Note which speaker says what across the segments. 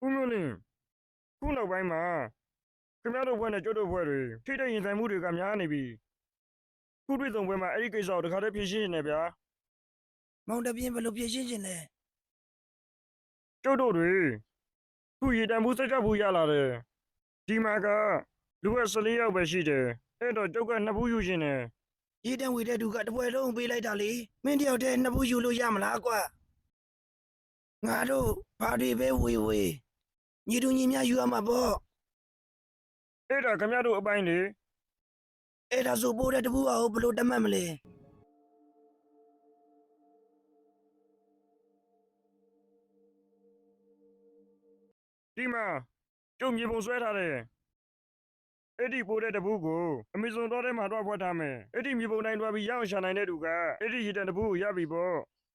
Speaker 1: ဦးမျိုးလင်းခုနောက်ပိုင်းမှာခင်ဗျားတို့ဘွဲနဲ့ကျွတ်တို့ဘွဲတွေထိတဲ့ရင်ဆိုင်မှုတွေကများနေပြီခုတွေ့ဆုံပွဲမှာအဲ့ဒီကိစ္စကိုတခါတည်းဖြေရှင်းနေတယ်ဗျာ
Speaker 2: မောင်တပြင်းဘယ်လိုပြင်ရှင်းခြင်းလဲ
Speaker 1: ကျွတ်တို့တွေခုရေတံမှုစက်ကြဘူးရလာတယ်ဒီမှာကလူက14ယောက်ပဲရှိတယ်အဲ့တော့ကျုပ်က2ဘူးယူရှင်တယ်
Speaker 2: ရေတံဝေတဲ့သူကတပွဲလုံးပေးလိုက်တာလေမင်းတယောက်တည်းနှစ်ဘူးယူလို့ရမလားကွာငါတို့ဘာတွေပဲဝေညီတို့ညီများယူရမှာပေါ့
Speaker 1: အဲ့ဒါခင်ဗျားတို့အပိုင်းလေ
Speaker 2: အဲ့ဒါဆိုပိုးတဲ့တဘူးအောင်ဘယ်လိုတတ်မှတ်မလဲ
Speaker 1: ဒီမှာကျုပ်မြေပုံဆွဲထားတယ်အဲ့ဒီပိုးတဲ့တဘူးကိုအမေဇွန်တော့ထဲမှာတော့ဖွက်ထားမယ်အဲ့ဒီမြေပုံတိုင်းတွားပြီးရအောင်ရှာနိုင်တဲ့သူကအဲ့ဒီရေတံတဘူးကိုရပြီပေါ့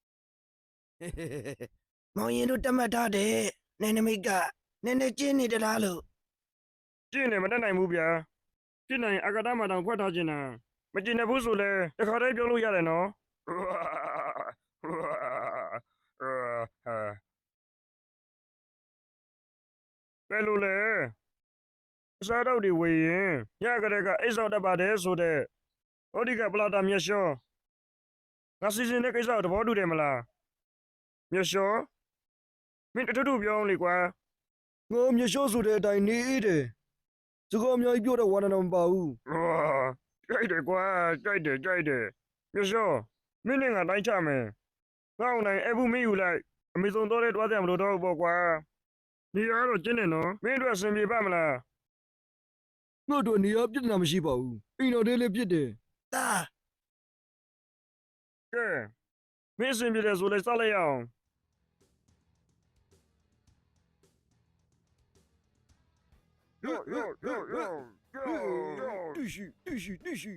Speaker 2: မောင်ရင်တို့တတ်မှတ်ထားတဲ့နယ်နိမိတ်ကနည်းနည်းကျင်းနေတလားလို့
Speaker 1: ကျင့်တယ်မတတ်နိုင်ဘူးဗျာကျင့်နိုင်ရင်အကတာမတောင်ဖွက်ထားခြင်းတာမကျင့်တဲ့ဘူးဆိုလဲတခါတည်းပြောလို့ရတယ်နော်ဘယ်လိုလဲအစားတော့ဒီဝေရင်ညကလေးကအိတ်ဆောက်တတ်ပါတယ်ဆိုတဲ့ဟောဒီကပလာတာမျက်လျှောငါစီစဉ်တဲ့ကိစ္စကိုသဘောတူတယ်မလားမျက်လျှောမင်းတထူပြောအောင်လေကွာ
Speaker 3: ငါမျက်လျှောဆိုတဲ့အတိုင်းနေတယ်စကားအများကြီးပြောတော့ဝါနာတော့မပါဘူး
Speaker 1: ကြိုက်တယ်ကွာကြိုက်တယ်မျက်လျှောမင်းနဲ့ငါတိုင်းချမယ်ငါ့အောင်နိုင်အဘူးမင်းယူလိုက်အမေဇုန်တော့တဲ့တွားတယ်မလို့တော့ဘူးပေါ့ကွာဒီရတော့ကျင်းနေနော်မင်းတို့အဆင်ပြေပါမလား
Speaker 3: ငါတို့နေရာပြဿနာမရှိပါဘူးအိမ်တော်လေးလေးပြစ်တယ်
Speaker 2: တာ
Speaker 1: ကဲမင်းအဆင်ပြေတယ်ဆိုလဲစလိုက်ရအောင်
Speaker 3: တိရှိတိရှိတိရှိ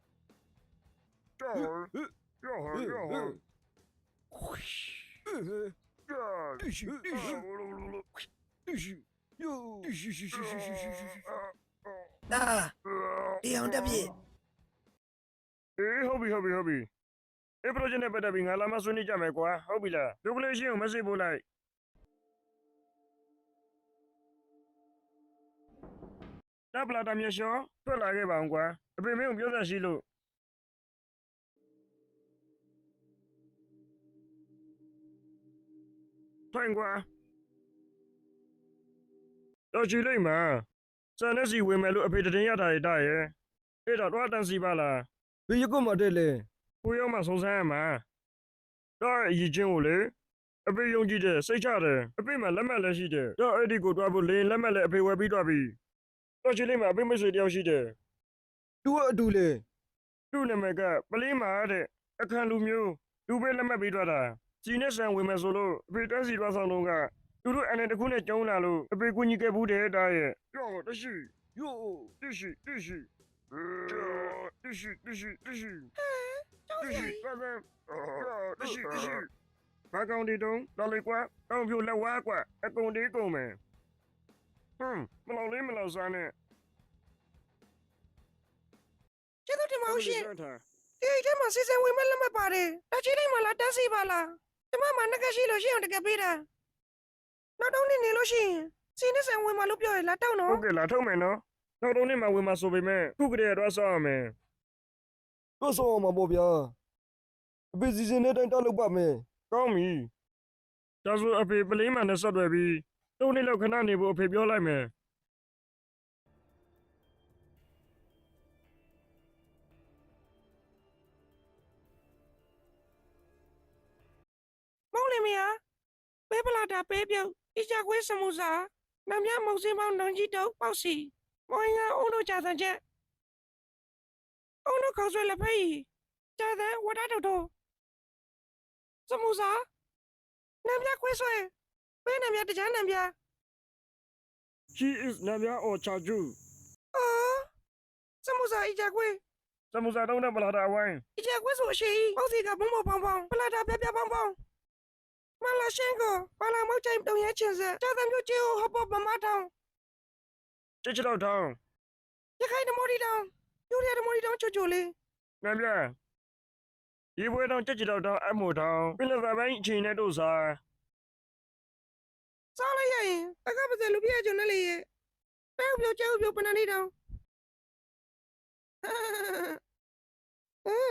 Speaker 3: တိရှိတိရှိတိရှိယောတိရှိရှိရှိရှိရှိရှိ
Speaker 2: တာတရားတက်ပြည့်
Speaker 1: အေးဟုတ်ပြီအဲ့ project နဲ့ပတ်သက်ပြီးငါလာမဆွေးနွေးကြမယ်ကွာဟုတ်ပြီလားဒုက္ခလေးရှင်းကို message ပို့လိုက်တပ်ပလာတာမျက်လျှောထွက်လာခဲ့ပါအောင်ကွာအဖေမင်းကိုပြောသက်ရှိလို့ထိုင်ကွာတော့ကြည့်လိုက်မှာစံနဲ့စီဝင်မယ်လို့အဖေတရင်ရတာရတာရဲ့အဲ့တော့တော့တန်စီပါလား
Speaker 3: ဘယ်ရကွတ်မှာတဲ့လဲ
Speaker 1: ကိုရောက်မှဆုံးဆန်းရမှာတော့အရေးချင်းကိုလေအဖေယုံကြည်တယ်စိတ်ချတယ်အဖေမှလက်မှတ်လည်းရှိတယ်တော့အဲ့ဒီကိုတွားဖို့လေလက်မှတ်လည်းအဖေဝယ်ပြီးတွားပြီတော့ချီလေးမှာအဖေမရှိတယောက်ရှိတယ်
Speaker 3: သူကအတူလဲ
Speaker 1: သူ့နာမည်ကပလင်းမာတဲ့အခန့်လူမျိုးလူပဲလက်မှတ်ပြီးတွားတာစီနဲ့ဆန်ဝင်မယ်ဆိုလို့အဖေတက်စီတွားဆောင်တော့ကသူတို့အနေတစ်ခုနဲ့ကျုံးလာလို့အဖေကူညီခဲ့ဘူးတဲ့တားရဲ့ကြောက်တရှိ
Speaker 3: ယော
Speaker 1: တရှိတရှိဘာကောင်ဒီတုံးတော်လေကွာတောင်းဖြိုလက်ဝါးကွာအကုန်ဒီကုန်မယ်မလောင်လေးမလောင်စားနဲ့
Speaker 2: ကျေးဇူးတင်ပါဦးရှင်ဒီအိတ်ထဲမှာစီစဉ်ဝင်မဲ့လက်မှတ်ပါတယ်တချီတိုင်းမှာလားတက်စီပါလားကျမမှာနှက်ကရှိလို့ရှိအောင်တကယ်ပေးတာနောက်တော့နေလို့ရှိရင်စီနဲ့ဆန်ဝင်မှာလို့ပြောရလားတောက်နော်
Speaker 1: ဟုတ်ကဲ့လားထုံးမယ်နော်နောက်တော့နေ့မှဝင်မှာဆိုပေမဲ့ခုကတည်းကတော့ဆောက်ရမယ်
Speaker 3: တော့ဆောင်းအောင်ပါပေါ့ဗျာအဖေစီစဉ်တဲ့အတိုင်းတောက်လုပ်ပါမယ်
Speaker 1: ကောင်းပြီဒါဆိုအဖေပလင်းမှန်နဲ့ဆက်တွယ်ပြီး3နှစ်လောက်ခဏနေဖို့အဖေပြောလိုက်မယ်
Speaker 2: မောင်လေးမယားပဲပလာတာပဲပြုတ်အကြခွေးစမှုစာနမ်မြမုံစင်းပေါင်းနန်းကြီးတုပ်ပေါက်စီမောင်ငါအုံတို့ကြာစံချက်အုံတို့ခေါ်ဆွဲလက်ဖက်ကြာတဲ့ဝတ်တာတော်စမှုစာနမ်မြခွေးဆွဲပဲနမ်မြတကြမ်းနမ်မြ
Speaker 1: She is နာမည်အော်ချာကျူ
Speaker 2: အော်စမှုစာအကြခွေး
Speaker 1: စမှုစာတုံးတဲ့ပလာတာဝိုင်း
Speaker 2: အကြခွေးဆိုအရှိပေါက်စီကဘုံဘောပေါင်းပလာတာပြပြပေါင်းမလာရှင်းကိုပါလာမောက်ချိုင်တုံရဲချင်စကြာတဲ့မျိုးကြီးဟောပေါ်ပမထောင်း
Speaker 1: ချစ်ချတော့ထောင်း
Speaker 2: ရခိုင်ဓမော်ဒီတောင်ယူရဓမော်ဒီတောင်ချိုချိုလေး
Speaker 1: နာမည်ရေပွဲတောင်ချစ်ချတော့ထောင်းအမို့ထောင်းပြလက်သာပိုင်းအချိန်နဲ့တို့စား
Speaker 2: စားလိုက်ရရင်အခက်ပါစလူပြည့်ကျွန်နဲ့လေရဲ့ပဲပြောကြောက်ပြောပနနေတောင်ဟမ်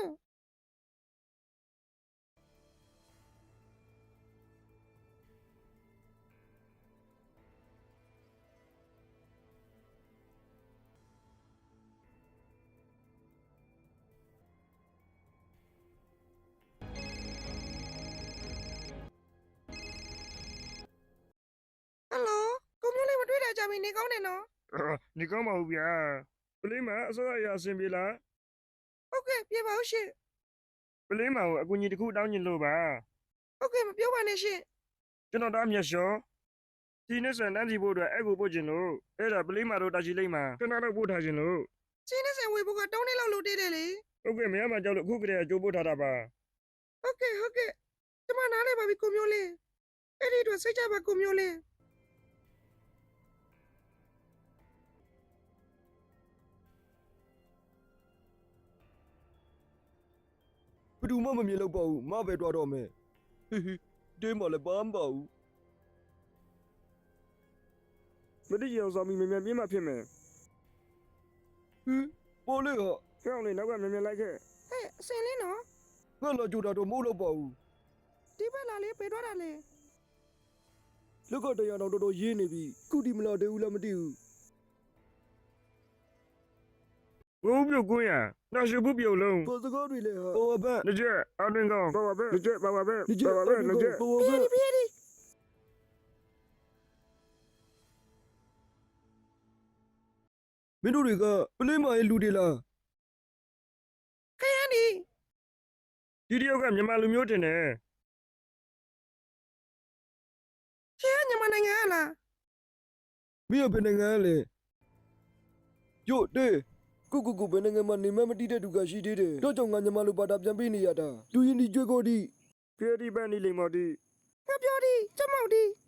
Speaker 2: ဟယ်လိုကိုမျိုးလေးမတွေ့တာကြပြီနေကောင်းတယ်နော်
Speaker 1: နေကောင်းပါဘူးဗျာပလင်းမအစောအရာအဆင်ပြေလား
Speaker 2: ဟုတ်ကဲ့ပြေပါဦးရှင်
Speaker 1: ပလင်းမကိုအကူအညီတစ်ခုတောင်းချင်လို့ပါ
Speaker 2: ဟုတ်ကဲ့မပြောပါနဲ့ရှင်
Speaker 1: ကျွန်တော်တားမြတ်လျှော်ဒီနေ့စံတန်းစီဖို့အတွက်အဲ့ကိုပို့ချင်လို့အဲ့ဒါပလင်းမတို့တာချီလိမ့်မှာခဏတော့ပို့ထားချင်လို့
Speaker 2: စင်းနဲ့ဆန်ဝေဖို့ကတောင်းနေလောက်လို့တည်တယ်လေ
Speaker 1: ဟုတ်ကဲ့မရမကြောက်လို့အခုကတည်းကကြိုးပို့ထားတာပါ
Speaker 2: ဟုတ်ကဲ့ကျမနားလဲပါပြီကိုမျိုးလေးအဲ့ဒီတော့စိတ်ကြပါကိုမျိုးလေး
Speaker 3: ဘယ်သူမှမမြင်တော့ပါဘူးမပဲတွားတော့မယ်ဟေးဟေးတဲမလည်းဘာမှမပါဘူး
Speaker 1: မတိကျအောင်ဆောင်ပြီးမြန်မြန်ပြင်းမှဖြစ်မယ်
Speaker 3: ဟေးပေါ်လေက
Speaker 1: ကြောက်နေနောက်ကမြန်မြန်လိုက်ခဲ့
Speaker 2: ဟဲ့အစင်လေးနော်
Speaker 3: ငါလာကြိုတာတော့မဟုတ်တော့ပါဘူး
Speaker 2: ဒီဘက်လာလေးပေတော့တာလေ
Speaker 3: လက်ကတရားတော်တော်တော်ရေးနေပြီခုဒီမလာသေးဘူးလားမသိဘူး
Speaker 1: ဘုံပြုတ်ကွင်းရနောက်ရှိဘူးပြုတ်လုံး
Speaker 3: ပေါ်စကားတွေလည်းဟာပေါ်ဘက်
Speaker 1: လက်ကျက်အတွင်ကောင်းပါပါပဲလက်ကျက်ပါပါပဲ
Speaker 3: ဒီကျ
Speaker 1: ပါပါပဲလက်ကျက်
Speaker 3: ပေါ်ဘက်
Speaker 2: ပြေးဒီ
Speaker 3: မင်းတို့တွေကပလင်းမရဲ့လူတွေလား
Speaker 2: ခရမ်းဒီ
Speaker 1: ဒီတယောက်ကမြန်မာလူမျိုးတင်တယ်
Speaker 2: ခရမ်းညမနိုင်ငံဟလား
Speaker 3: မင်းကဘယ်နိုင်ငံလဲယို့တေကိုဘယ်နိုင်ငံမှာနေမမတိတဲ့သူကရှိသေးတယ်တော့ကြောင့်ငါညမလိုပါတာပြန်ပေးနေရတာလူရင်းဒီကြွေးကိုဒီ
Speaker 1: ဖီဒီပန်နီလီမော်တီ
Speaker 2: ငါပြောဒီကျမောက်ဒီ